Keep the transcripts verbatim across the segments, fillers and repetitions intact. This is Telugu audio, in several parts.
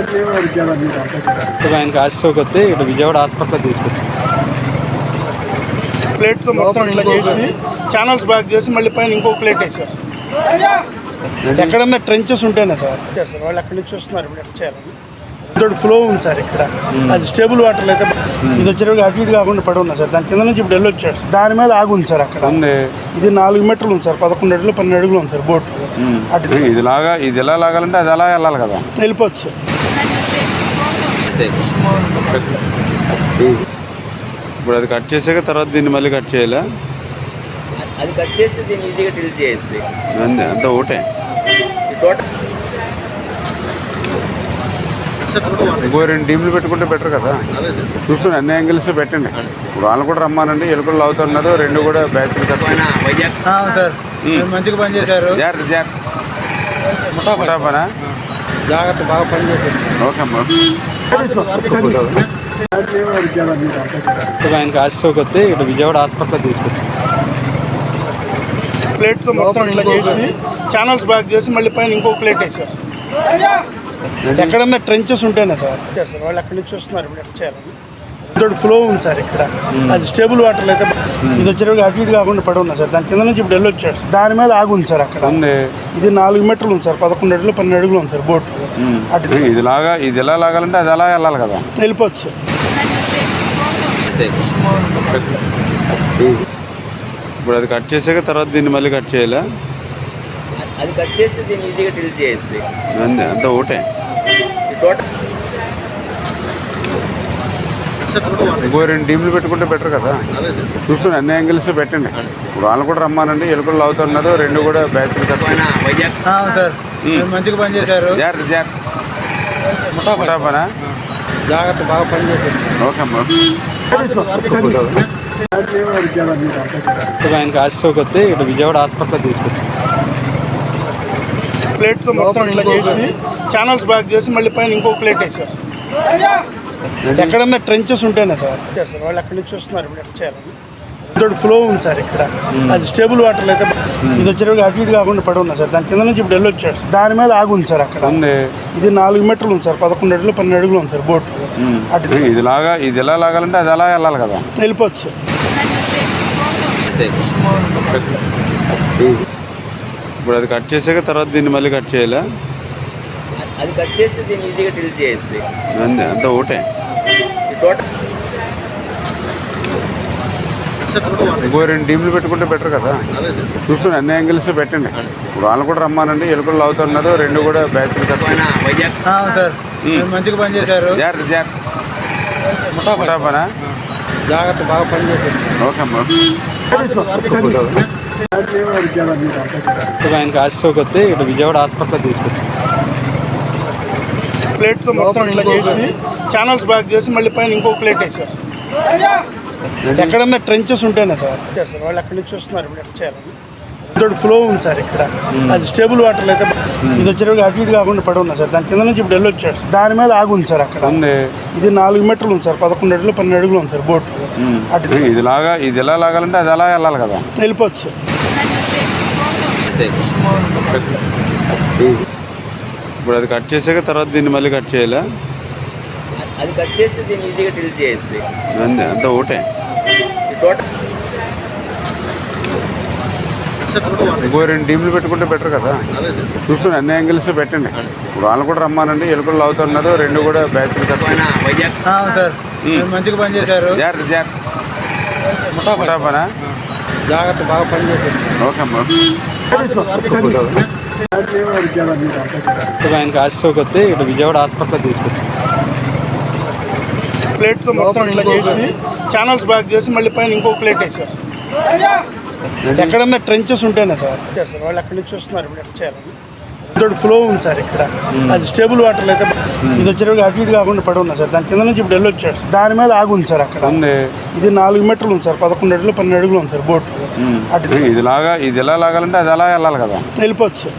ఆయనకి హార్ట్ స్ట్రోక్ వస్తే ఇటు విజయవాడ హాస్పిటల్ తీసుకొచ్చాం. ప్లేట్స్ మొత్తం ఇట్లా చేసి ఛానల్స్ బ్యాక్ చేసి మళ్ళీ పైన ఇంకో ప్లేట్ వేసారు. ఎక్కడన్నా ట్రెంచెస్ ఉంటేనే సార్ సార్ వాళ్ళు అక్కడి నుంచి వస్తున్నారు. ఇప్పుడు ఎట్లా చేయాలని తోటి ఫ్లో ఉంది సార్ ఇక్కడ. అది స్టేబుల్ వాటర్ అయితే ఇది వచ్చేటప్పుడు అటు ఇటు కాకుండా పడి ఉన్నా సార్. దాని కింద నుంచి ఇప్పుడు వెళ్ళొచ్చాడు. దాని మీద ఆగి ఉంది సార్ అక్కడ. ఇది నాలుగు మీటర్లు ఉంది సార్. పదకొండు అడుగులు పన్నెండు అడుగులు ఉంది సార్ బోట్. అటు ఇది లాగా ఇది ఎలా లాగాలంటే అది అలా వెళ్ళాలి కదా, వెళ్ళిపోవచ్చు సార్. ఇప్పుడు అది కట్ చేసాక తర్వాత దీన్ని మళ్ళీ కట్ చేయాలా? అది కట్ చేస్తే దీన్ని ఈజీగా డిలీట్ చేయొచ్చు. అంతే అంతా ఒకటే. ఇంకో రెండు టీంలు పెట్టుకుంటే బెటర్ కదా. చూసుకుని అన్ని యాంగిల్స్ పెట్టండి. ఇప్పుడు వాళ్ళు కూడా రమ్మానండి. ఎలుకలు అవుతున్నారు. రెండు కూడా బ్యాచ్లు కట్టుకున్నా మంచిగా పని చేశారు. జాగ్రత్త జాగ్రత్త పనా జాగ్రత్త బాగా పని చేశారు. ఓకే అమ్మా. ఆయనకి హార్ట్ స్ట్రోక్ వస్తే ఇటు విజయవాడ హాస్పిటల్ తీసుకొచ్చాం. ప్లేట్స్ మొత్తం ఇట్లా చేసి ఛానల్స్ బ్యాక్ చేసి మళ్ళీ పైన ఇంకో ప్లేట్ వేసారు. ఎక్కడన్నా ట్రెంచెస్ ఉంటేనే సార్ సార్ వాళ్ళు అక్కడి నుంచి వస్తున్నారు. ఇప్పుడు ఎట్లా చేయాలని తోటి ఫ్లో ఉంది సార్ ఇక్కడ. అది స్టేబుల్ వాటర్ అయితే ఇది వచ్చేటప్పుడు అటు ఇటు కాకుండా పడి ఉన్నా సార్. దాని కింద నుంచి ఇప్పుడు వెళ్ళొచ్చాడు. దాని మీద ఆగి ఉంది సార్ అక్కడ. ఇది నాలుగు మీటర్లు ఉంది సార్. పదకొండు అడుగులు పన్నెండు అడుగులు ఉంది సార్ బోట్. అటు ఇది లాగా ఇది ఎలా లాగాలంటే అది అలా వెళ్ళాలి కదా, వెళ్ళిపోవచ్చు సార్. ఇప్పుడు అది కట్ చేసాక తర్వాత దీన్ని మళ్ళీ కట్ చేయాలా? అది కట్ చేస్తే దీన్ని ఈజీగా డిలీట్ చేయొచ్చు. అంతే అంతా ఒకటే. ఇంకో రెండు టీంలు పెట్టుకుంటే బెటర్ కదా. చూసుకుని అన్ని యాంగిల్స్ పెట్టండి. ఇప్పుడు వాళ్ళు కూడా రమ్మానండి. ఎలుకలు అవుతున్నారు. రెండు కూడా బ్యాచ్లు కట్టుకున్నా మంచిగా పని చేశారు. జాగ్రత్త జాగ్రత్త పనా జాగ్రత్త బాగా పని చేశారు. ఓకే అమ్మా. ఆయనకి హార్ట్ స్ట్రోక్ వస్తే ఇటు విజయవాడ హాస్పిటల్ తీసుకొచ్చాం. ప్లేట్స్ మొత్తం ఇట్లా చేసి ఛానల్స్ బ్యాక్ చేసి మళ్ళీ పైన ఇంకో ప్లేట్ వేసారు. ఎక్కడన్నా ట్రెంచెస్ ఉంటేనే సార్ సార్ వాళ్ళు అక్కడి నుంచి వస్తున్నారు. ఇప్పుడు ఎట్లా చేయాలని తోటి ఫ్లో ఉంది సార్ ఇక్కడ. అది స్టేబుల్ వాటర్ అయితే ఇది వచ్చేటప్పుడు అటు ఇటు కాకుండా పడి ఉన్నా సార్. దాని కింద నుంచి ఇప్పుడు వెళ్ళొచ్చాడు. దాని మీద ఆగి ఉంది సార్ అక్కడ. ఇది నాలుగు మీటర్లు ఉంది సార్. పదకొండు అడుగులు పన్నెండు అడుగులు ఉంది సార్ బోట్. అటు ఇది లాగా ఇది ఎలా లాగాలంటే అది అలా వెళ్ళాలి కదా, వెళ్ళిపోవచ్చు సార్. ఇప్పుడు అది కట్ చేసాక తర్వాత దీన్ని మళ్ళీ కట్ చేయాలా? అది కట్ చేస్తే దీన్ని ఈజీగా డిలీట్ చేయొచ్చు. అంతే అంతా ఒకటే. ఇంకో రెండు టీంలు పెట్టుకుంటే బెటర్ కదా. చూసుకుని అన్ని యాంగిల్స్ పెట్టండి. ఇప్పుడు వాళ్ళు కూడా రమ్మానండి. ఎలుకలు అవుతున్నారు. రెండు కూడా బ్యాచ్లు కట్టుకున్నా మంచిగా పని చేశారు. జాగ్రత్త జాగ్రత్త పనా జాగ్రత్త బాగా పని చేశారు. ఓకే అమ్మా. ఆయనకి హార్ట్ స్ట్రోక్ వస్తే ఇటు విజయవాడ హాస్పిటల్ తీసుకొచ్చాం. ప్లేట్స్ మొత్తం ఇట్లా చేసి ఛానల్స్ బ్యాక్ చేసి మళ్ళీ పైన ఇంకో ప్లేట్ వేసారు. ఎక్కడన్నా ట్రెంచెస్ ఉంటేనే సార్ సార్ వాళ్ళు అక్కడి నుంచి వస్తున్నారు. ఇప్పుడు ఎట్లా చేయాలని తోటి ఫ్లో ఉంది సార్ ఇక్కడ. అది స్టేబుల్ వాటర్ అయితే ఇది వచ్చేటప్పుడు అటు ఇటు కాకుండా పడి ఉన్నా సార్. దాని కింద నుంచి ఇప్పుడు వెళ్ళొచ్చాడు. దాని మీద ఆగి ఉంది సార్ అక్కడ. ఇది నాలుగు మీటర్లు ఉంది సార్. పదకొండు అడుగులు పన్నెండు అడుగులు ఉంది సార్ బోట్. అటు ఇది లాగా ఇది ఎలా లాగాలంటే అది అలా వెళ్ళాలి కదా, వెళ్ళిపోవచ్చు సార్. ఇప్పుడు అది కట్ చేసాక తర్వాత దీన్ని మళ్ళీ కట్ చేయాలా? అది కట్ చేస్తే దీన్ని ఈజీగా డిలీట్ చేయొచ్చు. అంతే అంతా ఒకటే. ఇంకో రెండు టీంలు పెట్టుకుంటే బెటర్ కదా. చూసుకుని అన్ని యాంగిల్స్ పెట్టండి. ఇప్పుడు వాళ్ళు కూడా రమ్మానండి. ఎలుకలు అవుతున్నారు. రెండు కూడా బ్యాచ్లు కట్టుకున్నా మంచిగా పని చేశారు. జాగ్రత్త జాగ్రత్త పనా జాగ్రత్త బాగా పని చేశారు. ఓకే అమ్మా. ఆయనకి హార్ట్ స్ట్రోక్ వస్తే ఇటు విజయవాడ హాస్పిటల్ తీసుకొచ్చాం. ప్లేట్స్ మొత్తం ఇట్లా చేసి ఛానల్స్ బ్యాక్ చేసి మళ్ళీ పైన ఇంకో ప్లేట్ వేసారు. ఎక్కడన్నా ట్రెంచెస్ ఉంటేనే సార్ సార్ వాళ్ళు అక్కడి నుంచి వస్తున్నారు. ఇప్పుడు ఎట్లా చేయాలని తోటి ఫ్లో ఉంది సార్ ఇక్కడ. అది స్టేబుల్ వాటర్ అయితే ఇది వచ్చేటప్పుడు అటు ఇటు కాకుండా పడి ఉన్నా సార్. దాని కింద నుంచి ఇప్పుడు వెళ్ళొచ్చాడు. దాని మీద ఆగి ఉంది సార్ అక్కడ. ఇది నాలుగు మీటర్లు ఉంది సార్. పదకొండు అడుగులు పన్నెండు అడుగులు ఉంది సార్ బోట్. అటు ఇది లాగా ఇది ఎలా లాగాలంటే అది అలా వెళ్ళాలి కదా, వెళ్ళిపోవచ్చు సార్.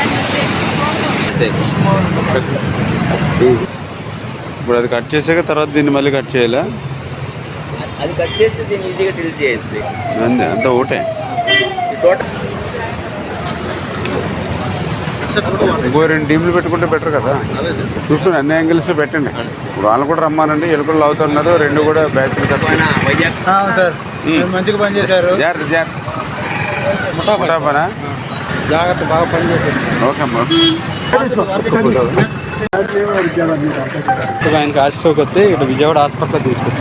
ఇప్పుడు అది కట్ చేసాక తర్వాత దీన్ని మళ్ళీ కట్ చేయాలా? అది కట్ చేస్తే దీన్ని ఈజీగా డిలీట్ చేయొచ్చు. అంతే అంతా ఒకటే. ఇంకో రెండు టీంలు పెట్టుకుంటే బెటర్ కదా. చూసుకుని అన్ని యాంగిల్స్ పెట్టండి. ఇప్పుడు వాళ్ళు కూడా రమ్మానండి, ఎలుకలు అవుతున్నారు, రెండు కూడా బ్యాచ్లు కట్టుకుని సార్ మంచిగా పని చేశారు. జాగ్రత్త జాగ్రత్త ముఠాపనా జాగ్రత్త బాగా పని చేశారు. ఓకే అమ్మా. ఆయనకి హార్ట్ స్ట్రోక్ వస్తే ఇటు విజయవాడ హాస్పిటల్ తీసుకొచ్చాం.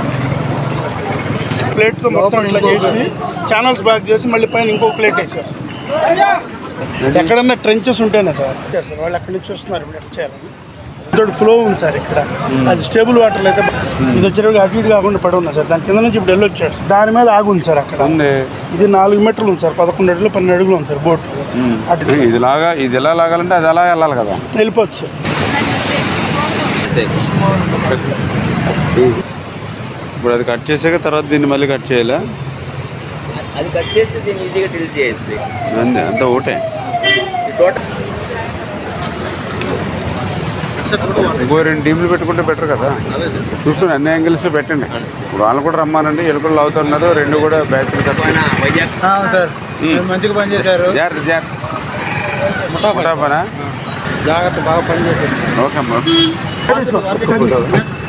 ప్లేట్తో మొత్తం ఇట్లా చేసి ఛానల్స్ బ్యాక్ చేసి మళ్ళీ పైన ఇంకో ప్లేట్ వేసారు. ఎక్కడన్నా ట్రెంచెస్ ఉంటేనే సార్ సార్ వాళ్ళు అక్కడి నుంచి వస్తున్నారు ఇప్పుడు ఎట్లా చేయాలని. ఇంకోటి ఫ్లో ఉంది సార్ ఇక్కడ, అది స్టేబుల్ వాటర్ అయితే ఇది వచ్చేటప్పుడు అటు ఇటు కాకుండా పడి ఉన్నా సార్. దాని కింద నుంచి ఇప్పుడు వెళ్ళొచ్చాడు, దాని మీద ఆగి ఉంది సార్ అక్కడ. ఇది నాలుగు మీటర్లు ఉంది సార్, పదకొండు అడుగులు పన్నెండు అడుగులు ఉంది సార్ బోట్. అటు ఇది లాగా ఇది ఎలా లాగాలంటే అది అలా వెళ్ళాలి కదా. వెళ్ళిపోవచ్చు సార్. ఇప్పుడు అది కట్ చేసాక తర్వాత దీన్ని మళ్ళీ కట్ చేయాలా? అది కట్ చేస్తే దీన్ని ఈజీగా డిలీట్ చేయొచ్చు. అంతే అంతా ఒకటే. టోటల్ ఇంకో రెండు టీంలు పెట్టుకుంటే బెటర్ కదా. చూసుకుని అన్ని యాంగిల్స్ పెట్టండి. ఇప్పుడు వాళ్ళు కూడా రమ్మానండి, ఎలుకలు అవుతున్నారు, రెండు కూడా బ్యాచ్లు కట్టుకుని సార్ మంచిగా పని చేశారు. జాగ్రత్త జాగ్రత్త ముఠాపనా జాగ్రత్త బాగా పని చేశారు. ఓకే అమ్మా.